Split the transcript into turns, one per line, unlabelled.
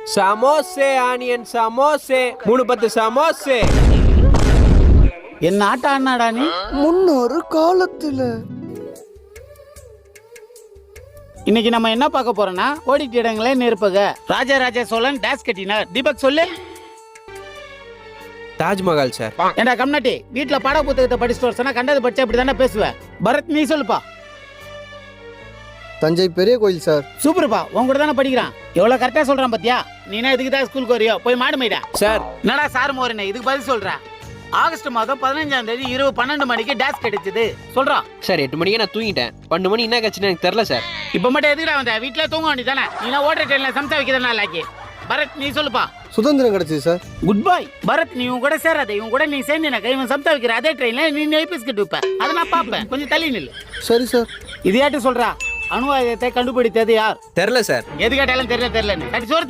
சமோசே onion சமோசே 310 சமோசே.
என்ன ஆட்ட ஆனாடா நீ?
முன்னொரு காலத்துல.
இன்னைக்கு நம்ம என்ன பார்க்க போறோம்னா ஓடிட்டு இடங்களே நெருப்புக. ராஜராஜ சோழன் டேஸ் கட்டினார். தீபக் சொல்லு.
தாஜ்மஹால் சார்.
ஏண்டா கம்னாட்டி, வீட்டுல பாட புத்தகத்தை படிச்சுட்டு வர சொன்னா கண்டது படிச்சா இப்படி தானே பேசுவேன். பரத் நீ சொல்லுப்பா.
தஞ்சை பெரிய கோயில் சார்.
சூப்பர்ப்பா, உன் கூட தானே படிக்கிறான். எவ்வளவு கரெக்டா சொல்றான் பாத்தியா? நீனா இதுக்கு தான் ஸ்கூலுக்கு வரியோ? போய் மாடு மேய்டா.
சார்
என்னடா சார் மோரனே இதுக்கு பதில் சொல்றேன். ஆகஸ்ட் மாதம் 15ஆம் தேதி இரவு 12 மணிக்கு டேஸ் கிடைச்சது சொல்றான்.
சார் 8 மணிக்கு நான் தூங்கிட்டேன். 12 மணி என்ன கட்சின்னு எனக்கு தெரியல சார்.
இப்ப மட்டும் எதுக்குடா வந்த? வீட்டுல தூங்க வேண்டியதானே? நீனா ஓடுற ட்ரெயின்ல சம்சா வைக்கிறதுனா லாக்கி. பரத் நீ சொல்லுப்பா.
சுதந்திரம் கிடைச்சது சார்.
குட் பாய் பரத். நீ உன் கூட சேராத. இவன் கூட நீ சேர்ந்து எனக்கு இவன் சம்சா வைக்கிற அதே ட்ரெயின்ல நீ நெய் பிஸ்கட் வைப்ப. அதை நான் பார்ப்பேன். கொஞ்சம் தள்ளி நில்லு.
சரி சார்.
இது யாட்டு சொல்றா? அணு ஆயுதத்தை கண்டுபிடித்தது யார்?
தெரியல சார்.
எது கேட்டாலும் தெரியல தெரியலன்னு. சரி சோறு